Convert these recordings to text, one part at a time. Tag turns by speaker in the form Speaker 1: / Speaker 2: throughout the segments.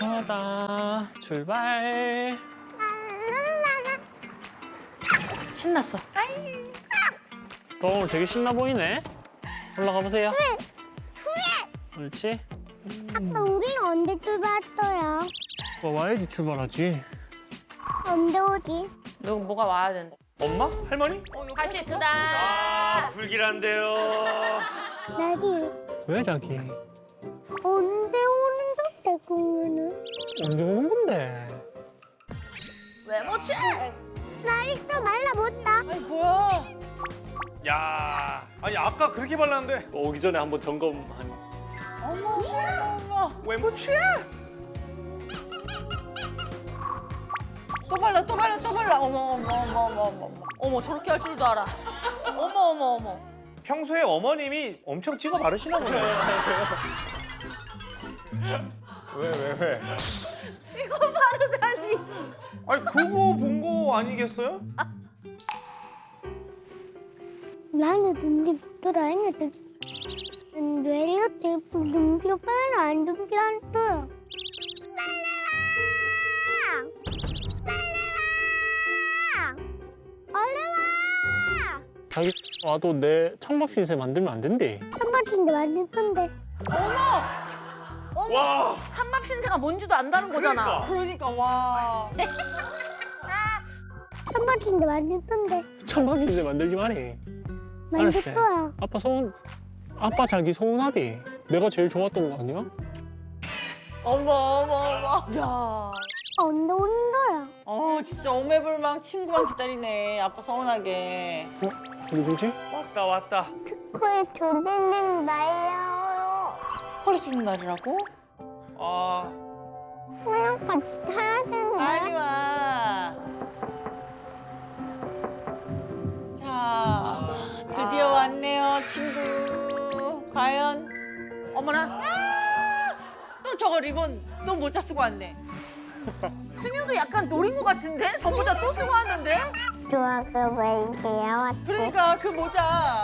Speaker 1: 가자. 출발.
Speaker 2: 신났어.
Speaker 1: 너 오늘 되게 신나 보이네. 올라가 보세요. 옳지.
Speaker 3: 아빠 우리는 언제 출발했어요?
Speaker 1: 와야지 출발하지.
Speaker 3: 언제 오지?
Speaker 2: 누구 뭐가 와야 된다.
Speaker 4: 엄마? 할머니?
Speaker 2: 다시 트다.
Speaker 4: 아, 불길한데요.
Speaker 3: 나디
Speaker 1: 왜 자기?
Speaker 3: 언제 오는 건데 그러면은?
Speaker 1: 언제 오는 건데?
Speaker 2: 외모체.
Speaker 3: 나 있어 말라봤다.
Speaker 2: 아니 뭐야?
Speaker 4: 야, 아니 아까 그렇게 발랐는데
Speaker 1: 오기 전에 한번 점검하니.
Speaker 2: 어머.
Speaker 4: 외모 취야?
Speaker 2: 또 발라. 어머 저렇게 할 줄도 알아. 어머.
Speaker 4: 평소에 어머님이 엄청 찍어 바르시나 보네. 왜?
Speaker 2: 찍어 바르다니.
Speaker 4: 아니 그거 본 거 아니겠어요?
Speaker 3: 나는 눈이 붙더라 했는데 왜 이렇게 눈비가 빨리 안 눈비 안 떠요? 얼른 와!
Speaker 1: 자기 와도 내 창밥 신세 만들면 안 된대.
Speaker 3: 한바퀴인데 완전 떤데.
Speaker 2: 어머.
Speaker 4: 와,
Speaker 2: 찬밥 신세가 뭔지도 안다는 거잖아.
Speaker 4: 그러니까.
Speaker 2: 와.
Speaker 3: 한바퀴인데 완전 떤데.
Speaker 1: 창밥 신세 만들지 마래.
Speaker 3: 만들
Speaker 1: 알았어요.
Speaker 3: 거야.
Speaker 1: 아빠 자기 서운하대. 내가 제일 좋았던 거 아니야?
Speaker 5: 어머.
Speaker 2: 야.
Speaker 3: 언제 오는 거야?
Speaker 5: 진짜 오매불망 친구만 기다리네. 아빠 서운하게.
Speaker 1: 누구지?
Speaker 4: 왔다.
Speaker 3: 코에 조리는 나예요.
Speaker 5: 허리 주는 날이라고?
Speaker 4: 아,
Speaker 3: 그냥 같이 타야 되는데.
Speaker 5: 빨리 와. 자, 드디어 왔네요, 친구. 과연?
Speaker 2: 어머나.
Speaker 5: 또 저거 리본 또 모자 쓰고 왔네.
Speaker 2: 승유도 약간 노린 것 같은데? 전보다 또 쓰고 왔는데?
Speaker 3: 좋아서 왜 이제 왔지?
Speaker 5: 그러니까 그 모자.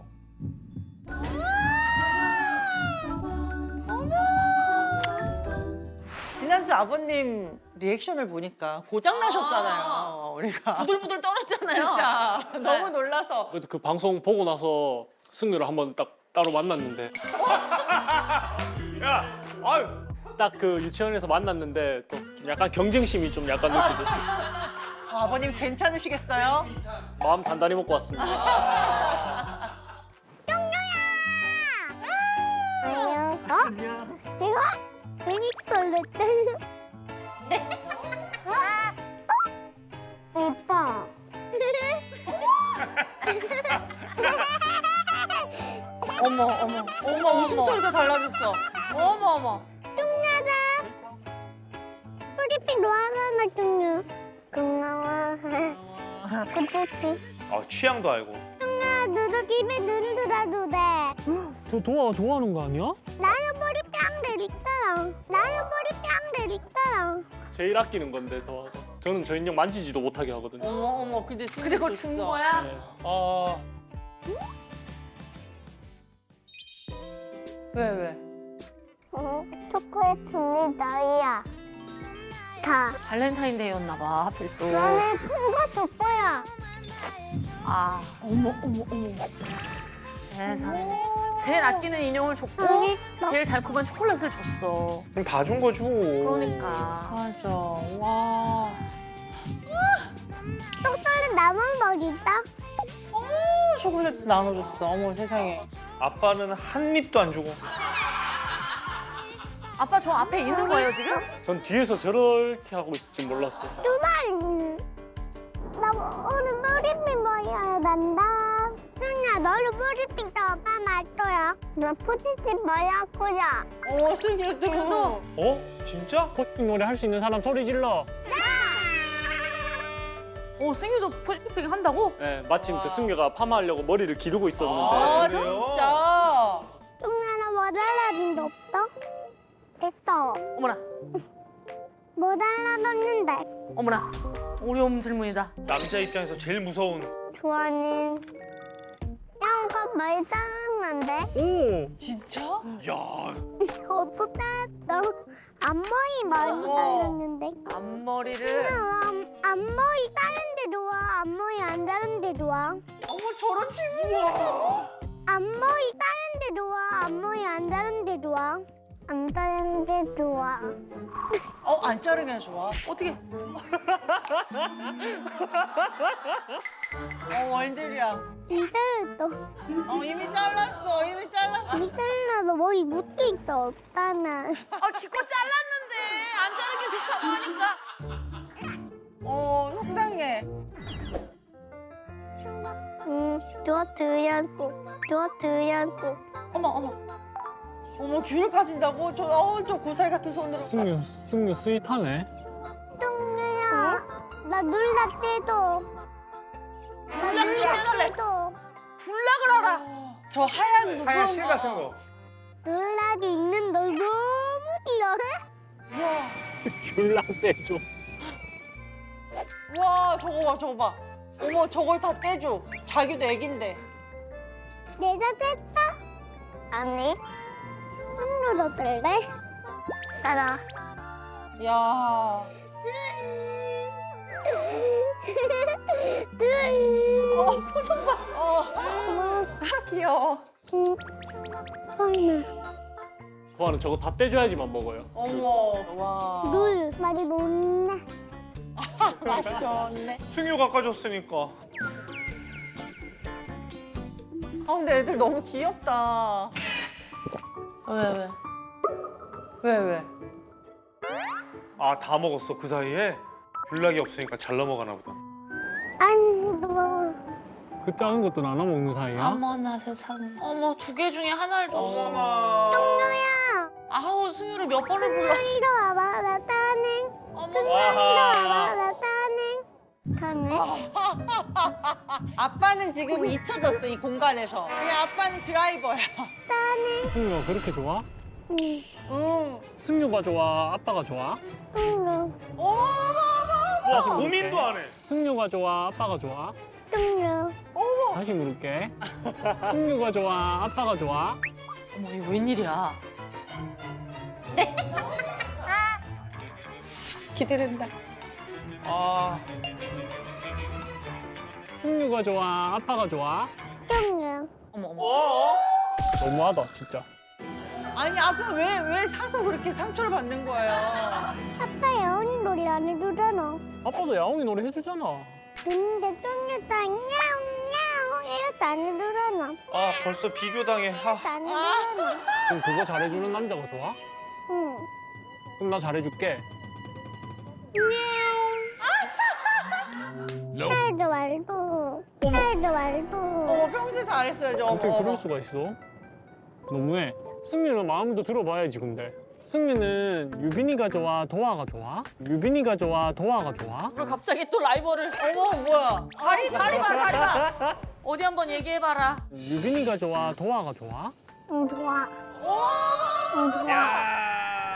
Speaker 5: 지난주 아버님 리액션을 보니까 고장 나셨잖아요, 우리가.
Speaker 2: 부들부들 떨었잖아요.
Speaker 5: 진짜 너무 놀라서.
Speaker 1: 그래도 그 방송 보고 나서 승유를 한번 딱 따로 만났는데
Speaker 4: 야, 아유,
Speaker 1: 딱 그 유치원에서 만났는데 또 약간 경쟁심이 좀 약간 느껴졌었어.
Speaker 5: 아버님 괜찮으시겠어요?
Speaker 1: 마음 단단히 먹고 왔습니다.
Speaker 3: 안녕. 이거? 베니컬 냈다는. 이뻐.
Speaker 5: 어머, 웃음소리가 달라졌어.
Speaker 2: 어머.
Speaker 3: 뚱나다. 프리핑 좋아하나 뚱냐. 고마워. 그치?
Speaker 4: 아 취향도 알고.
Speaker 3: 뚱나 너도 집에 눈 들어도 돼.
Speaker 1: 저 도아 좋아하는 거 아니야?
Speaker 3: 나는 머리 뺨들 있잖아.
Speaker 1: 제일 아끼는 건데 도아가. 저는 저 인형 만지지도 못하게 하거든요.
Speaker 5: 어머, 근데
Speaker 2: 근데 그걸 준 거야?
Speaker 1: 네.
Speaker 4: 아,
Speaker 5: 왜?
Speaker 3: 초콜릿 나이야. 다.
Speaker 2: 발렌타인데이였나 봐, 하필 또.
Speaker 3: 나는 큰거 줄 거야.
Speaker 2: 아,
Speaker 5: 어머.
Speaker 2: 세상에. 제일 아끼는 인형을 줬고
Speaker 3: 맛있어.
Speaker 2: 제일 달콤한 초콜릿을 줬어.
Speaker 4: 그럼 다 준 거죠.
Speaker 2: 그러니까.
Speaker 5: 맞아. 와.
Speaker 3: 똥 싸는 남은 머리 있다.
Speaker 5: 초콜릿 나눠줬어. 어머, 세상에.
Speaker 4: 아빠는 한 입도 안 주고.
Speaker 2: 아빠 저 앞에 있는 거예요, 지금?
Speaker 1: 전 뒤에서 저렇게 하고 있을 줄 몰랐어요.
Speaker 3: 두발. 나 오늘 머리핀 머리야 난다. 승야 너는 머리핀 더 오빠 말 거야. 너 포지티브 머리 할 거야.
Speaker 5: 어머, 승유도.
Speaker 4: 어? 진짜?
Speaker 1: 포팅 노래 할 수 있는 사람 소리 질러.
Speaker 2: 오, 승유도 푸시핑 한다고?
Speaker 1: 네, 마침 그 승유가 파마하려고 머리를 기르고 있었는데
Speaker 4: 아,
Speaker 5: 진짜.
Speaker 3: 승야 나 뭐 달라진 데 없어? 됐어.
Speaker 2: 어머나,
Speaker 3: 뭐 달라졌는데?
Speaker 2: 어머나. 어려운 질문이다.
Speaker 4: 남자 입장에서 제일 무서운.
Speaker 3: 좋아하는 양가 많이 자랐는데?
Speaker 1: 오!
Speaker 5: 진짜?
Speaker 4: 야,
Speaker 3: 저도 잘했어. 앞머리 많이
Speaker 5: 어머.
Speaker 3: 달렸는데.
Speaker 2: 앞머리를.
Speaker 3: 앞머리 따는데 좋아. 앞머리 안 따는데 좋아.
Speaker 5: 어머 저런 친구야.
Speaker 3: 앞머리 따는데 좋아. 앞머리 안 따는데 좋아. 안 따는데 좋아.
Speaker 5: 안 자르는 게 좋아.
Speaker 2: 어떻게?
Speaker 5: 웬일이야.
Speaker 3: 이따도
Speaker 5: 이미 잘랐어. 이미 잘랐어.
Speaker 3: 이따도 머리 묶여 있어. 없잖아.
Speaker 2: 기껏 잘랐는데 안 자른 게 좋다고 하니까.
Speaker 5: 속상해.
Speaker 3: 주워.
Speaker 5: 어머 귤을 가진다고? 저 고사리 같은 손으로.
Speaker 1: 승유 스윗하네.
Speaker 3: 뚱이야. 나 놀라 때도.
Speaker 2: 불락도 떼달래.
Speaker 3: 때도.
Speaker 2: 불락을 하라.
Speaker 5: 저 하얀 누군.
Speaker 4: 하얀 실 같은 거.
Speaker 3: 놀라기 있는 너 너무 귀여워.
Speaker 5: 와,
Speaker 1: 귤랑대 좀.
Speaker 5: 와 저거 봐. 어머 저걸 다 떼줘. 자기도 애긴데.
Speaker 3: 내가 됐다. 아니. 손으로 뜰래? 따라.
Speaker 5: 야. 표정 봐. 귀여워.
Speaker 3: 설마.
Speaker 1: 소아는 저거 다 떼줘야지만 먹어요.
Speaker 5: 어머. 와.
Speaker 3: 물 많이 못나.
Speaker 5: 맛이 좋네.
Speaker 4: 승유가 깎아줬으니까.
Speaker 5: 근데 애들 너무 귀엽다.
Speaker 2: 왜?
Speaker 5: 왜?
Speaker 4: 아, 다 먹었어, 그 사이에? 귤락이 없으니까 잘 넘어가나 보다.
Speaker 3: 아니 너.
Speaker 1: 그 작은 것도 나눠 먹는 사이야?
Speaker 2: 어머나 세상에. 어머 2개 중에 하나를 줬어.
Speaker 4: 어머나.
Speaker 3: 똥녀야.
Speaker 2: 아우 승유를 몇 번을 불러.
Speaker 3: 이리 와봐. 나 따는.
Speaker 2: 어머.
Speaker 4: 와하.
Speaker 3: 나 따는. 따는.
Speaker 5: 아빠는 지금 잊혀졌어 이 공간에서. 그냥 아빠는 드라이버야.
Speaker 1: 승유가 그렇게 좋아?
Speaker 3: 응.
Speaker 5: 응.
Speaker 1: 승유가 좋아? 아빠가 좋아?
Speaker 3: 똥녀.
Speaker 5: 어머.
Speaker 4: 와, 고민도 안 해.
Speaker 1: 승유가 좋아? 아빠가 좋아?
Speaker 3: 똥녀.
Speaker 1: 다시 물을게. 승유가 좋아? 아빠가 좋아?
Speaker 2: 어머 이거 웬일이야?
Speaker 5: 기대된다.
Speaker 4: 아,
Speaker 1: 승유가 좋아? 아빠가 좋아?
Speaker 3: 똥녀.
Speaker 2: 어머.
Speaker 1: 너무하다 진짜.
Speaker 5: 아니 아빠 왜 사서 그렇게 상처를 받는 거예요?
Speaker 3: 아빠 예언이 놀이 안 해주잖아.
Speaker 1: 아빠도 야옹이 노래 해주잖아.
Speaker 3: 근데 똥녀도 냐옹냐옹 이것도 안 해주잖아.
Speaker 4: 아, 벌써 비교당해. 아,
Speaker 3: 안 해주잖아.
Speaker 1: 그럼 그거 잘해주는 남자가 좋아?
Speaker 3: 응.
Speaker 1: 그럼 나 잘해줄게.
Speaker 3: 살도 말고. 살도 말고.
Speaker 5: 평소에 잘했어야죠.
Speaker 1: 어떻게 그럴 수가 있어? 너무해. 승유는 마음도 들어봐야지 근데. 승유는 유빈이가 좋아? 도아가 좋아? 유빈이가 좋아? 도아가 좋아?
Speaker 2: 왜 갑자기 또 라이벌을?
Speaker 5: 어머 뭐야? 다리 봐.
Speaker 2: 어디 한번 얘기해봐라.
Speaker 1: 유빈이가 좋아? 도아가 좋아?
Speaker 3: 응, 좋아. 응, 좋아.
Speaker 4: 야.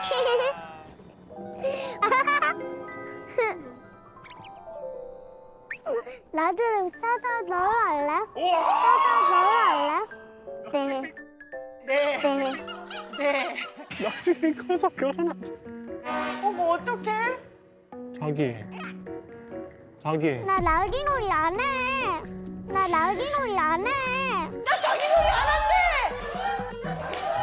Speaker 3: 나도 따다 너로 할래?
Speaker 4: 우와.
Speaker 3: 따다 너로 할래? 네.
Speaker 5: 네. 네.
Speaker 1: 나중에 커서 결혼하자.
Speaker 5: 어머 어떡해?
Speaker 1: 자기.
Speaker 3: 나 날개 놀이 안 해. 나 날개 놀이 안 해.
Speaker 5: 나 자기 놀이 안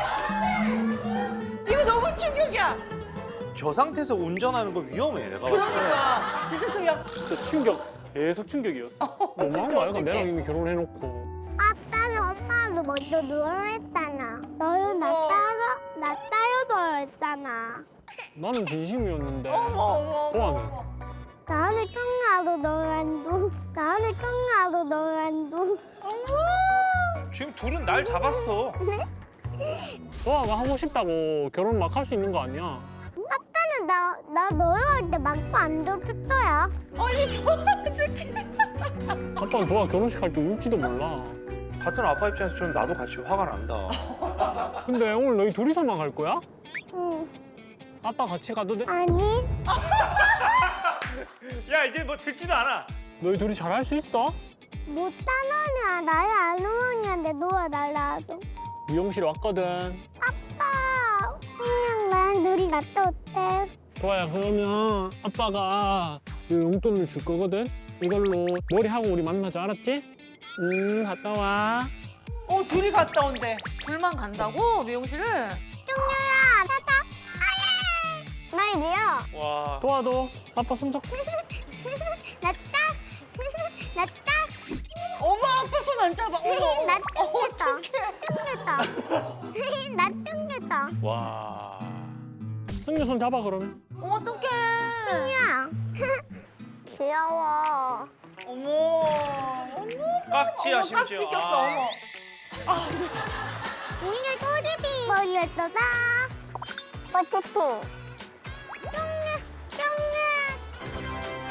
Speaker 5: 한대. 이거 너무 충격이야.
Speaker 4: 저 상태에서 운전하는 거 위험해, 내가 봤을 때.
Speaker 5: 그러니까 진짜 충격.
Speaker 1: 진짜 충격. 계속 충격이었어. 너무한 거 아이가 내랑 이미 결혼해놓고.
Speaker 3: 아빠는 엄마도 먼저 누워라 했잖아. 너는 나 따로 누워라 했잖아.
Speaker 1: 나는 진심이었는데.
Speaker 5: 어머.
Speaker 1: 도아는?
Speaker 3: 나는 뚱나도 너랑 누. 나는 뚱나도 너랑 누.
Speaker 4: 지금 둘은 날 잡았어.
Speaker 1: 도아가 하고 싶다고 결혼 막 할 수 있는 거 아니야?
Speaker 3: 아빠는 나 너랑 할 때 막고 안 줬어야.
Speaker 5: 아니 저 어떡해.
Speaker 1: 아빠는 도아 결혼식 할 때 울지도 몰라.
Speaker 4: 같은 아빠 입장에서 좀 나도 같이 화가 난다.
Speaker 1: 근데 오늘 너희 둘이서만 갈 거야?
Speaker 3: 응.
Speaker 1: 아빠 같이 가도 돼?
Speaker 3: 아니.
Speaker 4: 야, 이제 뭐 듣지도 않아.
Speaker 1: 너희 둘이 잘 할 수 있어?
Speaker 3: 못 따노냐 나를 안 오냐는데 너와 날라도.
Speaker 1: 미용실 왔거든.
Speaker 3: 아빠 그냥 난 둘이 갔다 올게.
Speaker 1: 도아야 그러면 아빠가 이 용돈을 줄 거거든. 이걸로 머리하고 우리 만나자 알았지? 갔다 와.
Speaker 5: 둘이 갔다 온대.
Speaker 2: 둘만 간다고 미용실을?
Speaker 3: 쫑녀야, 타타. 아예. 나이지요.
Speaker 4: 와.
Speaker 1: 도아도 아빠 손잡고.
Speaker 3: 나 딱. 나 딱.
Speaker 5: 어머 아빠 손 안 잡아. 어머.
Speaker 3: 나 뚱겼다. 뚱겼다. 나 뚱겼다.
Speaker 4: 와.
Speaker 1: 승유 손 잡아 그러면.
Speaker 2: 어떡해.
Speaker 3: 야. 귀여워.
Speaker 5: 어머.
Speaker 4: 깍지야
Speaker 5: 어머
Speaker 4: 심지어.
Speaker 5: 깍지 꼈어.
Speaker 4: 아.
Speaker 5: 어머. 아 무슨.
Speaker 3: 우리가 소리비 머리였어다. 어쨌든. 쫑녀, 쫑녀.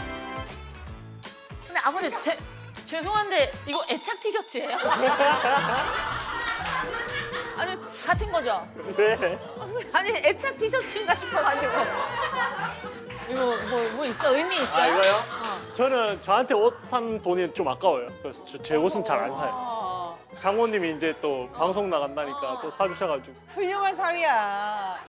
Speaker 2: 근데 아버지 죄송한데 이거 애착 티셔츠예요? 아니 같은 거죠?
Speaker 1: 네.
Speaker 2: 아니 애착 티셔츠인가 싶어가지고. 이거 뭐 있어? 의미 있어요?
Speaker 1: 아 이거요? 저는 저한테 옷 산 돈이 좀 아까워요. 그래서 제 옷은 잘 안 사요.
Speaker 5: 아,
Speaker 1: 장모님이 이제 또 방송 나간다니까 또 사주셔가지고.
Speaker 5: 훌륭한 사위야.